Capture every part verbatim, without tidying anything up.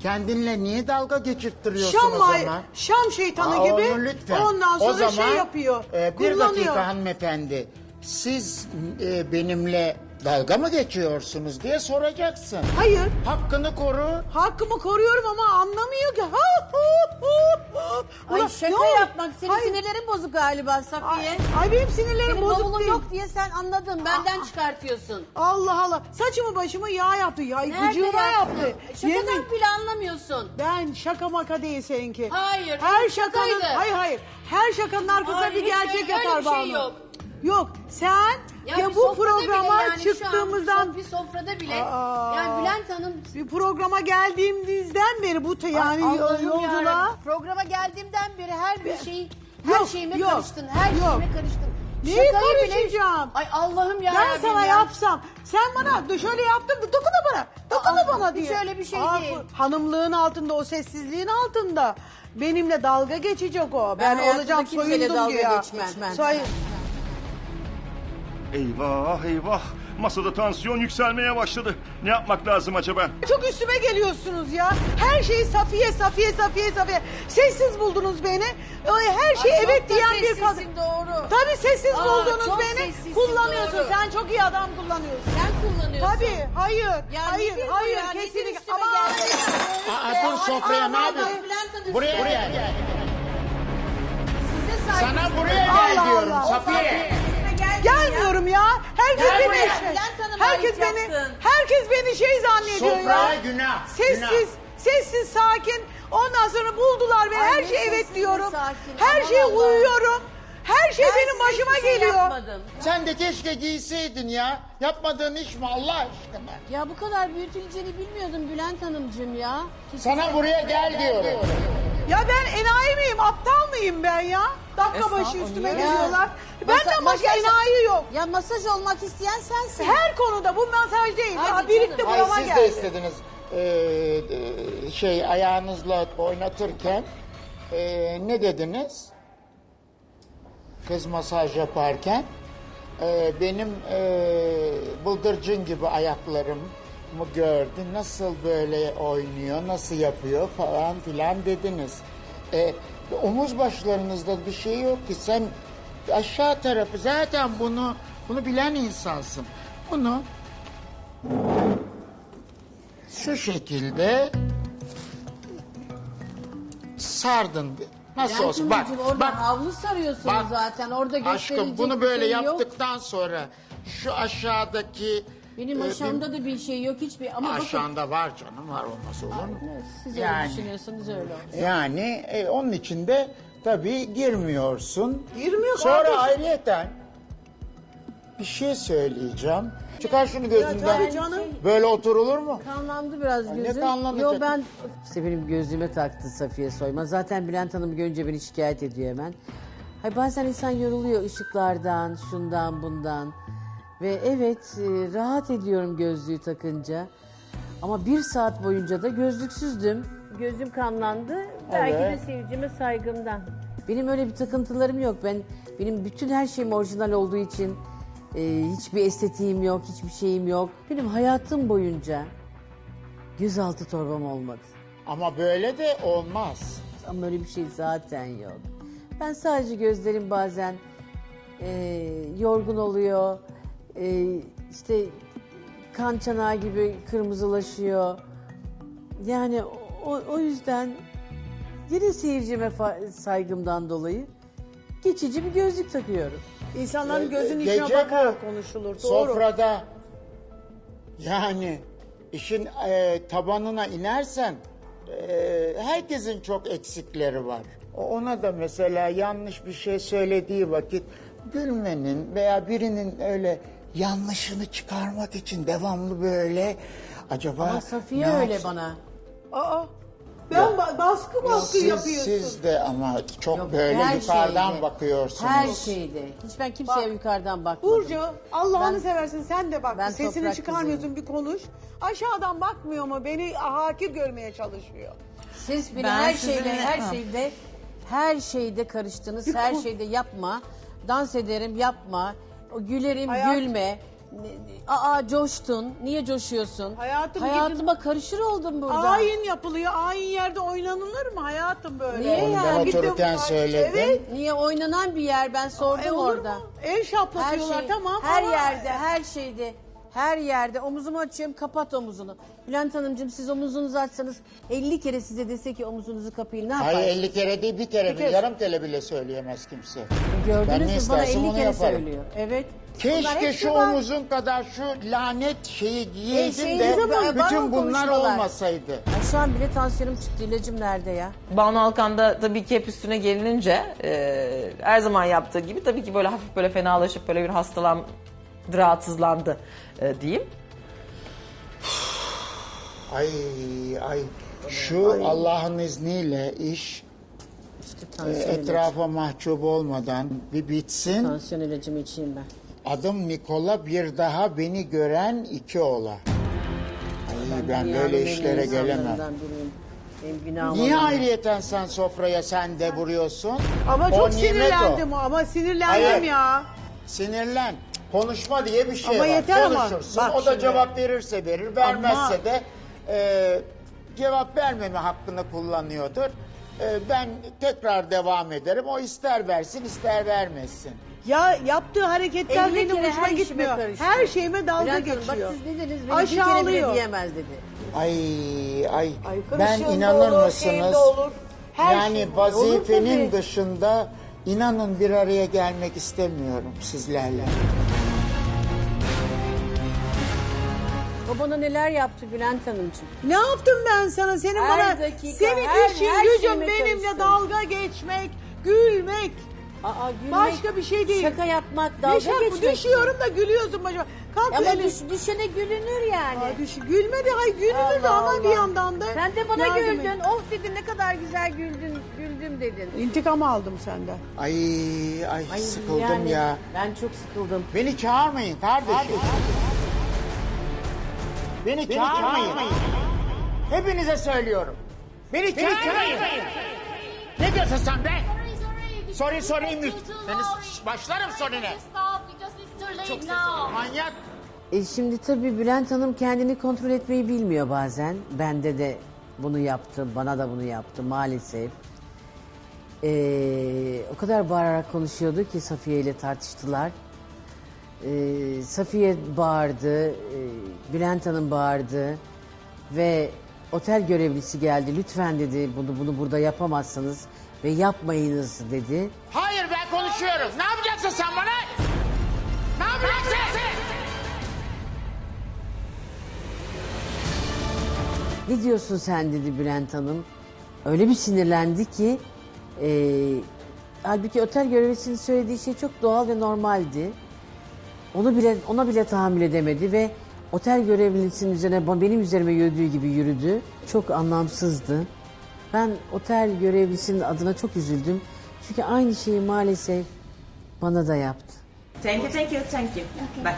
kendinle niye dalga geçirttiriyorsun Şam, o may- zaman? Şam şeytanı Aa, gibi onu lütfen. ondan sonra o zaman, şey yapıyor. e, bir kullanıyor. dakika hanımefendi. Siz e, benimle dalga mı geçiyorsunuz diye soracaksın. Hayır. Hakkını koru. Hakkımı koruyorum ama anlamıyor ki. Ay Ulan, şaka ne oldu? yapmak. Senin Hayır. sinirlerin bozuk galiba Ay, Safiye. ay benim sinirlerim Senin bozuk bavulun değil. yok diye sen anladın. Benden çıkartıyorsun. Allah Allah. Saçımı başımı yağ yaptı. Ya, Nerede gıcığına yaptın? yaptı. Şakadan Yemin- bile anlamıyorsun. Ben şaka maka değil seninki. Hayır, Her hep şakanın, şakaydı. hayır hayır. Her şakanın arkasına Hayır, bir hiç gerçek öyle- yatar öyle bir şey Banu. yok. Yok. Sen Ya ya bir bu sofrada programa bile yani şu an çıktığımızdan bir sofrada bile Aa. yani Bülent Hanım bir programa geldiğimizden beri bu te- yani Ay, yol- Allah'ım yolculuğa yarabbim. Programa geldiğimden beri her bir şeyi her Yok, şeyime yok, karıştın. Her yok. şeyime karıştın. Neyi Şakayı bile- karışacağım? Ay Allah'ım ya. Ben sana yapsam, sen bana şöyle yaptın da dokuna bana, dokuna Aa, bana hiç diye. öyle bir şey Aa, değil. bu Hanımlığın altında, o sessizliğin altında benimle dalga geçecek o. Ben, hayatımda olacağım kimseyle soyundum dalga diye. geçmem. Soy- Eyvah eyvah. Masada tansiyon yükselmeye başladı. Ne yapmak lazım acaba? Çok üstüme geliyorsunuz ya. Her şeyi Safiye, Safiye, Safiye, Safiye. Sessiz buldunuz beni. Ee, Her şey Ay, evet çok da diyen bir sessizsin, kadın. doğru. Tabii sessiz Aa, buldunuz çok beni. sessizsin, Kullanıyorsun. doğru. Sen çok iyi adam kullanıyorsun. Sen kullanıyorsun. Tabii, hayır, Ya hayır, nedir bu hayır, ya? Nedir kesinlikle. üstüme Ama geldi? Aa, dur sofraya ne Ay, yapıyorsun? Bülent Hanım, Buraya size- gel. Size saygı. Sana buraya gel Allah diyorum Allah. Safiye. gelmiyorum ya. Herkes Gel beni buraya. şey- Bülent Hanım'a herkes ait beni yaptın. herkes beni şey zannediyor Sofraya ya. günah. Sessiz, günah. sessiz, sakin. Ondan sonra buldular beni. Ay, Her ne şey evet sessiz, ne diyorum. sakin. Her Aman şeye Allah. uyuyorum. Her şey Ben benim size başıma hiçbir şey geliyor. yapmadım. Sen de keşke giyseydin ya. Yapmadığın iş mi Allah aşkına? Ya bu kadar büyütüleceğini bilmiyordum Bülent Hanımcığım ya. Sana buraya gel diyorum. Ya ben enayi miyim, aptal mıyım ben ya? Dakika başı üstüme Ya. geliyorlar. Masa- Benden başka masaj- enayi yok. Ya masaj olmak isteyen sensin. Her konuda bu masaj değil. Hadi Ya, birlikte canım. Ay burama siz de geldi. istediniz. Ee, e, şey ayağınızla oynatırken ee, ne dediniz? Kız masaj yaparken ee, benim ee, bıldırcın gibi ayaklarımı gördü. Nasıl böyle oynuyor, nasıl yapıyor falan filan dediniz. Ee, omuz başlarınızda bir şey yok ki, sen aşağı tarafı zaten bunu bunu bilen insansın. Bunu şu şekilde sardın. Nasıl Bülent olsun? Bak, Hanımcığım, orada bak. havlu sarıyorsunuz Bak, zaten. Orada gösterilecek Aşkım bunu bir böyle şey yok. yaptıktan sonra şu aşağıdaki Benim e, aşağımda da bir şey yok hiçbir. Ama bakın. aşağında var canım, var olmaz olur mu? Siz Yani. öyle düşünüyorsunuz öyle olsun. Yani e, onun içinde tabii girmiyorsun. Girmiyor Sonra kardeşim. ayrıyeten bir şey söyleyeceğim. Çıkar şunu gözünden. tabii canım. Böyle oturulur mu? Kanlandı biraz ne gözüm. kanlanacak? Yo ben işte benim gözüme taktı Safiye Soyman. Zaten Bülent Hanım görünce beni şikayet ediyor hemen. Hay bazen insan yoruluyor ışıklardan, şundan, bundan. Ve evet e, rahat ediyorum gözlüğü takınca. Ama bir saat boyunca da gözlüksüzdüm. Gözüm kanlandı. Belki de Evet. seyircime saygımdan. Benim öyle bir takıntılarım yok. Ben benim bütün her şeyim orijinal olduğu için e, hiçbir estetiğim yok, hiçbir şeyim yok. Benim hayatım boyunca gözaltı torbam olmadı. Ama böyle de olmaz. Ama öyle bir şey zaten yok. Ben sadece gözlerim bazen e, yorgun oluyor. E, işte kan çanağı gibi kırmızılaşıyor. Yani o, o yüzden yine seyircime fa- saygımdan dolayı geçici bir gözlük takıyorum. İnsanların Ee, gözünün gece içine bakarak bu konuşulur. Doğru. Sofrada yani işin e, tabanına inersen e, herkesin çok eksikleri var. O- Ona da mesela yanlış bir şey söylediği vakit gülmenin veya birinin öyle yanlışını çıkarmak için devamlı böyle acaba Ama Safiye ne öyle yapsın? bana. Aa, ben ba- baskı baskı Siz, yapıyorsun. siz de ama çok Yok, böyle her yukarıdan şeyde, bakıyorsunuz. Her şeyde. Hiç ben kimseye Bak, yukarıdan bakmadım. Burcu, Allah'ını Ben- seversin sen de bak. ben Sesini toprak çıkarmıyorsun, bir konuş. Aşağıdan bakmıyor mu? Beni hakir görmeye çalışıyor. Siz beni Ben her sizinle- şeyde, her Ha. şeyde, her şeyde karıştınız. Her şeyde yapma. Dans ederim, yapma. O gülerim, Hayat- gülme. Ne- Aa coştun. Niye coşuyorsun? Hayatım, Hayatıma karışır oldum burada. Ayin yapılıyor. Ayin yerde oynanılır mı hayatım böyle? Niye Onu da yani? otururken söyledim. Evet. Niye oynanan bir yer ben sordum E, olur orada. mu? El şaplatıyorlar şey- tamam Her ama- yerde, her şeyde, her yerde omuzumu açıyorum, kapat omuzunu. Bülent Hanımcığım siz omuzunuzu açsanız elli kere size dese ki omuzunuzu kapayın ne yaparsınız? Hayır elli kere değil bir kere, Bir kere- yarım kere bile söyleyemez kimse. Ben Gördünüz ne mü bana istersem elli onu kere yaparım. söylüyor. Evet. Bunlar Keşke hepsi şu var. omuzun kadar şu lanet şeyi giyeydim şeyinize de bak, var bütün o bunlar konuşmalar. olmasaydı. Ay, şu an bile tansiyonum çıktı. İlacım nerede ya? Banu Alkan da tabii ki hep üstüne gelinince e, her zaman yaptığı gibi tabii ki böyle hafif böyle fenalaşıp böyle bir hastalandı, rahatsızlandı e, diyeyim. Ay ay şu Allah'ın izniyle iş İşte e, tansiyon ilacı. etrafa mahcup olmadan bir bitsin. Tansiyon ilacımı içeyim ben. Adım Nikola, bir daha beni gören iki ola. Ay ben Dünyanın böyle en iyi işlere gelemem. insanlarından biriyim. Benim günahım Niye olan- ayrıyeten sen sofraya sen de vuruyorsun? Ama O çok nimet sinirlendim o. o. Ama sinirlendim Hayır. ya. Sinirlen. Konuşma diye bir şey Ama var. yeter ama. Konuşursun. Bak O da şimdi. cevap verirse verir, vermezse Ama- de e, cevap vermeme hakkını kullanıyordur. E, ben tekrar devam ederim. O ister versin, ister vermesin. Ya yaptığı hareketler elli benim kere hoşuma her işime gitmiyor. karıştı. Her şeyime dalga Bülent Hanım, geçiyor. bak siz ne dediniz? Beni bir kere bile Aşağılıyor. diyemez dedi. Ay ay, ben karışığında inanır olur, mısınız? şeyinde olur. Her yani şey olur. vazifenin Olur tabii. dışında inanın bir araya gelmek istemiyorum sizlerle. O bana neler yaptı Bülent Hanımcığım? Ne yaptım ben sana? Senin Her bana dakika, senin her- işin her gücün şeyime benimle karıştın. dalga geçmek, gülmek. Aa, gülmek, Başka bir şey değil. Şaka yapmak, dalga Düşer- geçmek. Düşüyorum da gülüyorsun başıma. Kalk Ama öyle- düş, düşene gülünür yani. Aa, düş, gülmedi, hayır gülünür de Allah ama bir Allah. yandan da. Sen de bana yardım güldün. et. Oh dedin ne kadar güzel güldün, güldüm dedin. İntikam aldım senden. Ay ay, Ay, sıkıldım yani ya. Ben çok sıkıldım. Beni çağırmayın kardeşim. Beni, çağırmayın. Hepinize söylüyorum. Beni, çağırmayın. Ne diyorsun sen be? Sorry, sorry. Sorry sorry mi? Too, too Seni early. başlarım sorine. Stop because it's too late now. Manyak. E şimdi tabii Bülent Hanım kendini kontrol etmeyi bilmiyor bazen. Bende de bunu yaptı, bana da bunu yaptı maalesef. Ee, o kadar bağırarak konuşuyordu ki Safiye ile tartıştılar. Ee, Safiye bağırdı, e, Bülent Hanım bağırdı ve otel görevlisi geldi. Lütfen dedi bunu bunu burada yapamazsınız ve yapmayınız dedi. Hayır ben konuşuyorum. Ne yapacaksın sen bana? Ne yapacaksın? Ne diyorsun sen dedi Bülent Hanım. Öyle bir sinirlendi ki e, halbuki otel görevlisinin söylediği şey çok doğal ve normaldi. Onu bile ona bile tahammül edemedi ve otel görevlisinin üzerine benim üzerime yürüdüğü gibi yürüdü. Çok anlamsızdı. Ben otel görevlisinin adına çok üzüldüm. Çünkü aynı şeyi maalesef bana da yaptı. Thank you, thank you, thank you. Bak.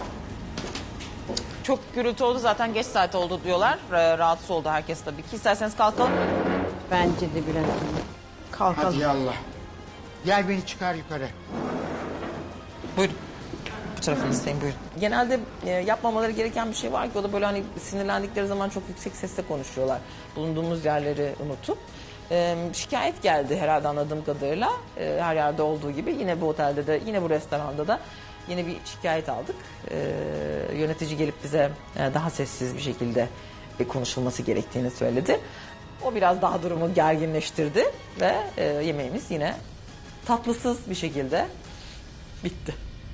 Çok gürültü oldu zaten geç saat oldu diyorlar. Ee, Rahatsız oldu herkes tabii ki. İsterseniz kalkalım. Bence de Bülent Hanım. Kalkalım. Hadi yallah. Gel beni çıkar yukarı. Buyurun. Bu tarafınızdayım buyurun. Genelde e, yapmamaları gereken bir şey var ki o da böyle hani sinirlendikleri zaman çok yüksek sesle konuşuyorlar. Bulunduğumuz yerleri unutup. E, şikayet geldi herhalde anladığım kadarıyla. E, her yerde olduğu gibi yine bu otelde de yine bu restoranda da yine bir şikayet aldık. E, yönetici gelip bize e, daha sessiz bir şekilde e, konuşulması gerektiğini söyledi. O biraz daha durumu gerginleştirdi ve e, yemeğimiz yine tatlısız bir şekilde bitti.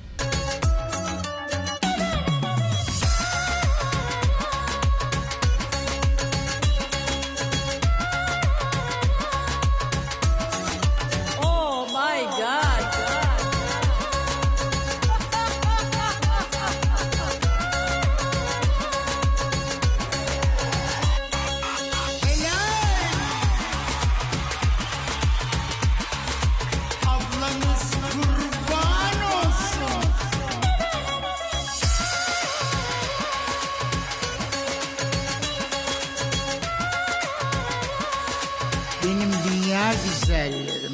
Oh my God. Ablanız kurban olsun. Benim dünya güzellerim.